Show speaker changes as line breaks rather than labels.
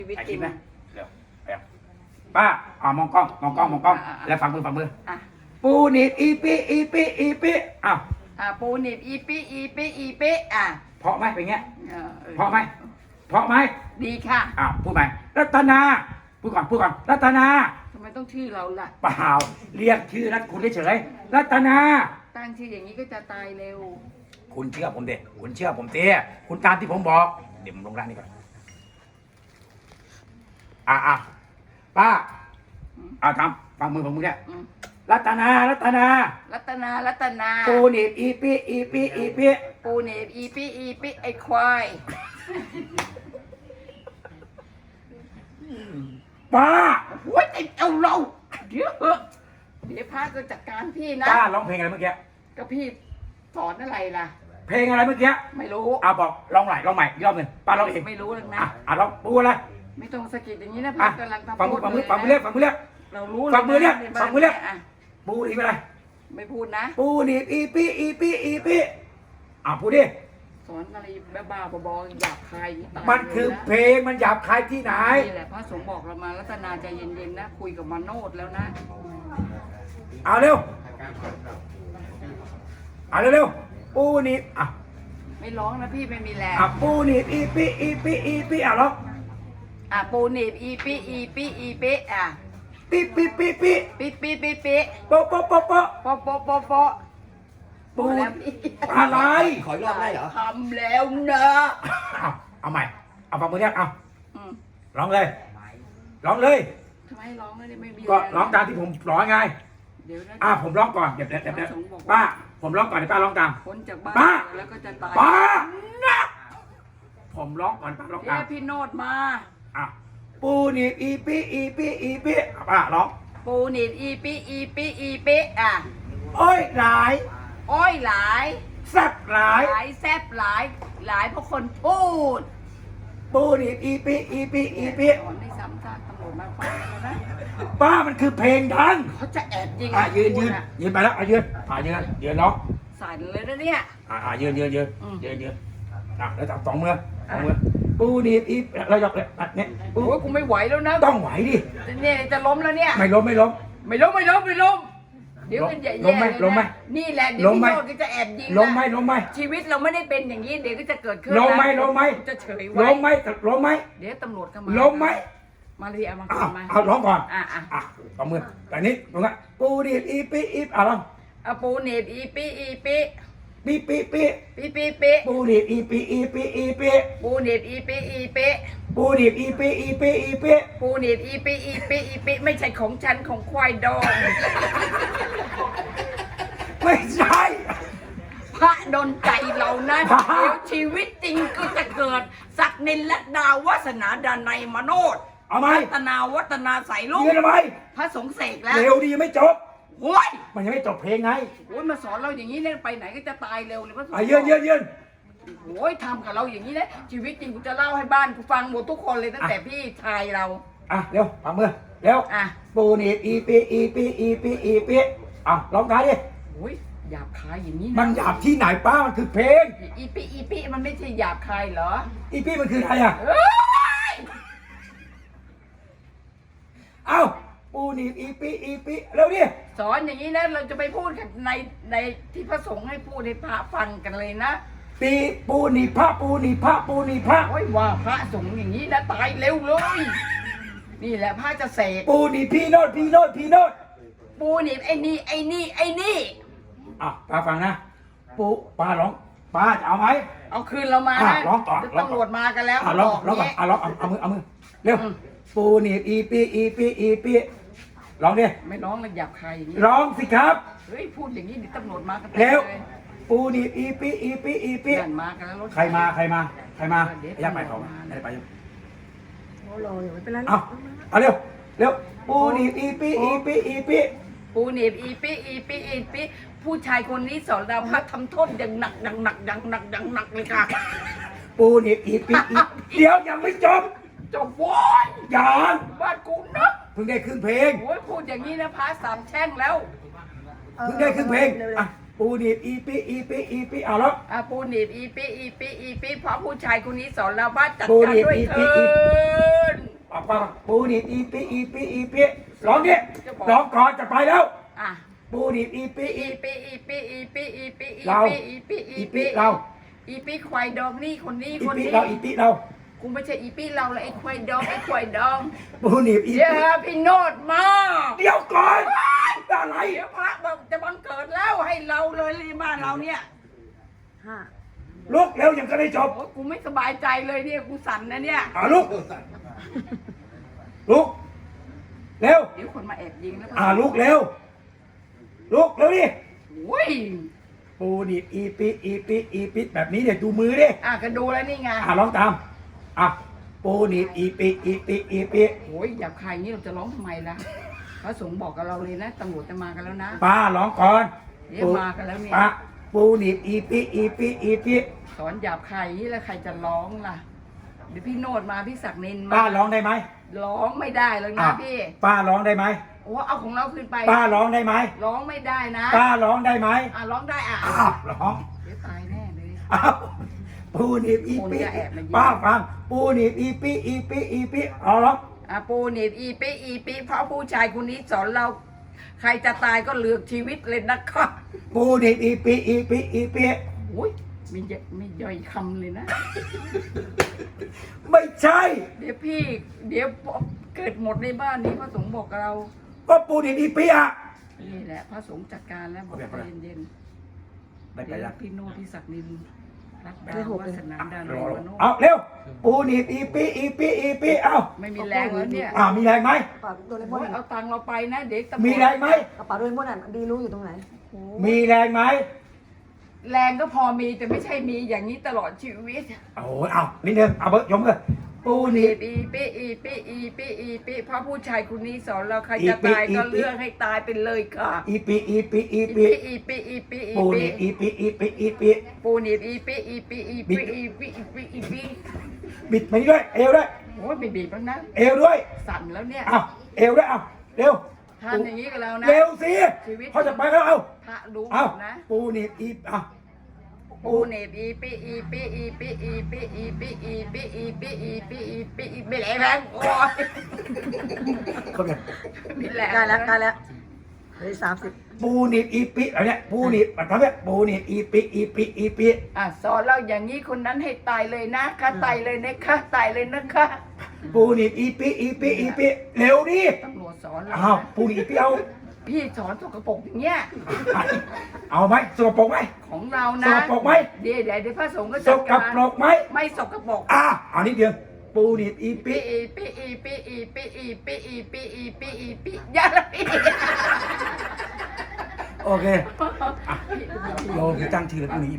ชีวิต
ถ่าย
จ
คลิ
ริ
ป
ง
นะเร็วไปป้ามองกล้องแล้วฝังมือ
อ่ะ
ปูหนีบอีปีอ้าว
ปูหนีบอีปิอ่ะ
เพราะไหมเป็นเงี้ย
เออ
เพราะไหม
ดีค่ะ
อ้าวพูดไหมรัตนาพูดก่อนรัตนา
ทำไมต้องชื่อเราล่ะ
เปล่าเรียกชื่อนัดคุณเฉยๆรัตนา
ตั้งชื่ออย่างนี้ก็จะตายเร็ว
คุณเชื่อผมเด็คุณเชื่อผมเตี้ยคุณตามที่ผมบอกเดี๋ยวผมลงร่างนี่ก่อนป้าทำฟังมือเนี่ย
อืม
รัตนา
รัตนา
ปูหนีบอีปี
ปูหนีบอีปิไอ้ควาย
ป้า
โอ้ยไอ้เอาเราเดี๋ยวพระก็จัดการพี่นะ
ป้าร้องเพลงอะไรเมื่อกี้
ก็พี่สอนอะไรล่ะ
เพลงอะไรเมื่อกี้
ไม่รู้
บอกร้องใหม่อีกรอบหนึ่งป้าร้องเอง
ไม่รู้หรอกนะ
ร้องปูอะไร
ไม่ต้องสะกิดอย่างนี้นะพระกำลังทำ
ฟังมือเรียก
เรารู้
ฟังมือเรียก
ในบ้าน
ฟังมือเรียก
อ่ะ
ปูหนีบอะไร
ไม่พูดนะ
ปูหนีบอีปีพูดดิ
สอนอะไรบ้าๆบอๆหยาบคายตาย
มันคือ
เลยนะ
เพลงมันหยาบคายที่ไหน
นี่แหละพระสงฆ์บอกเรามารัตนาใจเย็นๆนะคุยกับมาโนดแล้วนะ
เอาเร็วปูหนีบ
ไม่ร้องนะพี่ไม่มีแรง
ปูหนีบอีปีร้อง
ปูหนีบอีปิอ่ะ
ปี
ปิ
โปะ
โปพอแล้วพี่
อะไร
ขออีกรอบได้เหรอ
ทำแล้วนะ
เอาใหม่ฟังมือเรียก
อืม
ร้องเลย
ทำไมร้องไม่มี
ก็
แ
ร้องตามที่ผมร้องไง
เดี๋ยวนะ
ผมร้องก่อนเดี๋ยวป้าผมร้องก่อนเดี๋ยวป้าร้องตาม
พ้นจากบ้าน
ป้า
แล้วก็จะตาย
ป้านะผมร้องก่อนป้าร้อง
เดี๋
ตาย ม
วพี่โนดมา
ปูหนีบอีปีป้าร้อง
ปูหนีบอีปิอ่ะ
โอ้ยหลาย
อ้อยหลาย
แซ่บหลาย
หลายแซบหลายเพราะคนพูด
ปูหนีบอีปี
สอนไม่ซ้ำซากตำรวจมาฟังแล้วนะ
ป้ามันคือเพลงดัง
เขาจะแอบยิง
ยืนไปแล้วยืนร้อง
สั่นเลยนะเนี่ย
ยืนแล้วจับสองมือปูหนีบอีเรายกเลยเนี่ย
โอ้ยกูไม่ไหวแล้วนะ
ต้องไหวดิ
เนี่ยจะล้มแล้วเนี่ย
ไม่ล้ม
ไม่ล้มเดี๋ยวมันแย่ๆ
ล้มไหม
นี่แหละเดี๋ยวพี่โนดก็จะแอบยิง
ล้มไหม
ชีวิตเราไม่ได้เป็นอย่างนี้เดี๋ยวก็จะเกิดขึ้น
ล้มไหม
จะเฉย
ล้มไหม
เดี๋ยวตำรวจเข้ามา
ล้มไหม
มาเลยเอามา
เอาร้องก่อน
อ่ะ
มือแต่นี้ตรงนั้นปูหนีบอีปีร้อง
เอาปูหนีบอีปิ
ปี ปูหนีบอีปี
ปูหนีบอีปิ
ปูหนีบอีปี
ปูหนีบอีปิไม่ใช่ของฉันของควายดอง
ไม่ใช่
พระดนใจเรานะ
พระ
เดี๋ยวชีวิตจริงก็จะเกิดศักดินและดาวาสนาดานัยมโนด
เอาไหม
รัตนาวัฒนาใสลูก
ยืนทำไม
พระสงฆ์เสกแล้ว
เร็วดียังไม่จบ
โอ้ย
มันยังไม่จบเพลงไง
โอ้ยมาสอนเราอย่างนี้เนี่ยไปไหนก็จะตายเร็วเลยพระสงฆ์
ยืน
โอ้ยทำกับเราอย่างนี้นะชีวิตจริงกูจะเล่าให้บ้านกูฟังหมดทุกคนเลยตั้งแต่พี่ชายเรา
เร็วฟังมือเร็วปูหนีบอีปีร้องท้ายดิ
โอ้ยหยาบคายอย่างนี้
มันหยาบที่ไหนป้ามันคือเพลง
อีปิมันไม่ใช่หยาบคายเหรอ
อีปีมันคืออะไร
เอ้ย
ปูหนีบอีปีเร็วดิ
สอนอย่างนี้นะเราจะไปพูดกันในที่พระสงฆ์ให้พูดให้พระฟังกันเลยนะ
ปูหนีบพระ
โอ้ยว่าพระสงฆ์อย่างนี้นะตายเร็วเลย นี่แหละพระจะเสก
ปูหนีบพี่โนด
ปูหนีบไอ้นี่
ป้าฟังนะปูป้าร้องป้าจะเอาไหม
เอาคืนเรามานะ
ร้องต่อ
เดี๋ยวตำรวจมากันแล้ว
ร้องก่อน
เนี่ย
ร้องเอามือเร็วปูหนีบอีปีร้องดิ
ไม่ร้องเลยหยาบคายอย่างนี้
ร้องสิครับ
เฮ้ยพูดอย่างนี้เดี๋ยวตำรวจมากัน
เร็ว
เลย
ปูหนีบอีปี
เดินมากันแล้วรถ
ใครมาอย่าไปเขาไม่ได้ไป
โอ้โหอย่าไม่เป็นไรหร
เอาเร็วปูหนีบอีปี
ปูหนีบอีปิผู้ชายคนนี้สอนเราพระทำโทษอย่างหนักเลยค่ะ
ปูหนีบอีปีเดี๋ยวยังไม่จบ
จบวอน
ยัง
บ้านกูนะ
เพิ่งได้ครึ่งเพลง
โอ้ยพูดอย่างนี้นะพระสามแช่งแล้ว
เพิ่งได้ครึ่งเพลงปูหนีบอีปีเอาแล้ว
ปูหนีบอีปิเพราะผู้ชายคนนี้สอนเราว่าจัดการด้วยเถิน
ป้าปูหนีบอีปีอีปีอีปีร้องดิร้องก่อนจะไปแล้ว
อ่ะ
ปูหนีบอีปีอี
อีปีอีปีอีปีอีปีอี
เรา
ปีอีปี
อีปีเรา
อีปีควายดองนี่คนนี้
อี
คน
ปี
นี้
เราอีปีเรา
กูไม่ใช่อีปีเราเลยไอ้ควายดองไอ้ควายดอง
ปูหนีบอี
เดี๋ย
ปี
วพี่โนดมา
เดี๋ยวก่อนอะไร
เดี๋ยวพระบอกจะบังเกิดแล้วให้เราเลยรีบ้านเราเนี่ย
ห้า
ลุกเร็วยังก็ได้จบ
โอ้ยกูไม่สบายใจเลยเนี่ยกูสั่นนะเนี่ย
ลุกลุกเร็ว
เดี๋ยวคนมาแอบยิงแล้ว
ลุกเร็วลุกเร็วดิ
โอ้ย
ปูหนีบอีปีอีปีอีปีแบบนี้เนี่ยดูมือดิ
ก็ดูแล้วนี่ไง
ร้องตามปูหนีบอีปีอีปีอีปี
โอ้ยหยาบคายอย่างนี้เราจะร้องทำไมล่ะพระสงฆ์บอกกับเราเลยนะตำรวจจะมากันแล้วนะ
ป้าร้องก่อน
เดี๋ยวมากันแล้วเนี่ย
ป้าปูหนีบอีปีอีปีอีปี
สอนหยาบคายอย่างนี้แล้วใครจะร้องล่ะเดี๋ยวพี่โนดมาพี่ศักดิ์นินมา
ป้าร้องได้ไหม
ร้องไม่ได้เลยนะพี่
ป้าร้องได้ไหม
โอ้เอาของเราขึ้นไป
ป้าร้องได้ไหม
ร้องไม่ได้นะ
ป้าร้องได้ไหม
ร้องได้
ร้อง
เดี๋ยวตายแน่เลย
ปูหนีบอีปี
คนจะแอบมายิง
ป้าฟังปูหนีบอีปีอีปีอีปีร้อง
ปูหนีบอีปีอีปีเพราะผู้ชายคนนี้สอนเรา ใครจะตายก็เลือกชีวิตเลยนะครับ
ปูหนีบอีปีอีปีอีปี
โอ้ยไม่ย่อยคำเลยนะ
ไม่ใช่
เดี๋ยวพี่ เดี๋ยวเกิดหมดในบ้านนี้พระสงฆ์บอกกับเรา
ก็ปูหนีบอีปีอ่ะ
นี่แหละพระสงฆ์จัดการแล้วบอก
ไม่เป็นไร
ใจเย็น
ไม่
ๆ
เป็น
เดี๋
ไร
ยวพี่โนพี่ศักดิ์นินรักดาววาสนาดานวโน
เอาเร็วปูหนีบอีปีอีปีอีปีเอา
ไม่มีแรงแล้วเนี่ย
มีแรงไหม
กระเป๋าโดเรมอ
โอ้
น
ยเอาตังค์เราไปนะเด็กตำรวจ
มีแรงไหม
กระเป๋าโดเรมอนดีรู้อยู่ตรงไหน
มีแรงไหม
แรงก็พอมีแต่ไม่ใช่มีอย่างนี้ตลอดชีวิต
โอ้ยเอานิดนึงเอาเบิร์ดยมเลยปูหนีบ
อีปีอีปีอีปีอีปีเพราะผู้ชายคนนี้สอนเราใครจะตายก็เลือกให้ตายไปเลยค่ะ
อีปีอีปีอี
อี
ปี
ปีอีปีอีปีอี
ปูห
ปี
นีบอีปีอีปีอีปี
ปูหนีบอีปีอีปีอีปีอีปีอีปีอีปี
บิดมานี่ด้วยเอวด้วย
โอ้ยไม่บีบแล้วนะ
เอวด้วย
สั่นแล้วเนี่ย
เอาเอวด้วยเอาเร็ว
ทานอย่างนี้กับเรานะ
เร็วสิเขาจะไปแล้วเอา
พระรู้
เอา
นะ
ปูหนีบอีเอา
ปูหนีบอีปีอีปีอีปีอีปีอีปีอีปีอีปีอีปีอีปีอีไม่แรงแล้วโอ้ย
เขาเนี่ย
ไม่แรง
ใกล้แล้วใกล้แล้วเหลือ30
ปูหนีบอีปีอะไรเนี่ยปูหนีบแบบทำเนี่ยปูหนีบอีปีอีปีอีปี
สอนเราอย่างนี้คนนั้นให้ตายเลยนะคะตายเลยนะคะตายเลยนะคะ
ปูหนีบอีปีอีปีอีปีเร็วดิ
ตำรวจสอนเรา
อ้าวปูหนีบอีปีเอา
พี่สอนสกปรกอย่างเงี้ย
เอาไหมสกปรกไหม
ของเรา
ส
นะ
กปรกไหม
เดี๋ยวพระสงฆ์ก็
ส
จัด
ก
การ
ปรกไหม
ไม่สกปรก
เอานิดเดียวปูหนีบอีปี
ปีอีปีอีปีอีปีอีปีอีปีอีปีอีปีอย่าละพี่
โอเคโยมตั้งชื่อแล้วปูหนีบ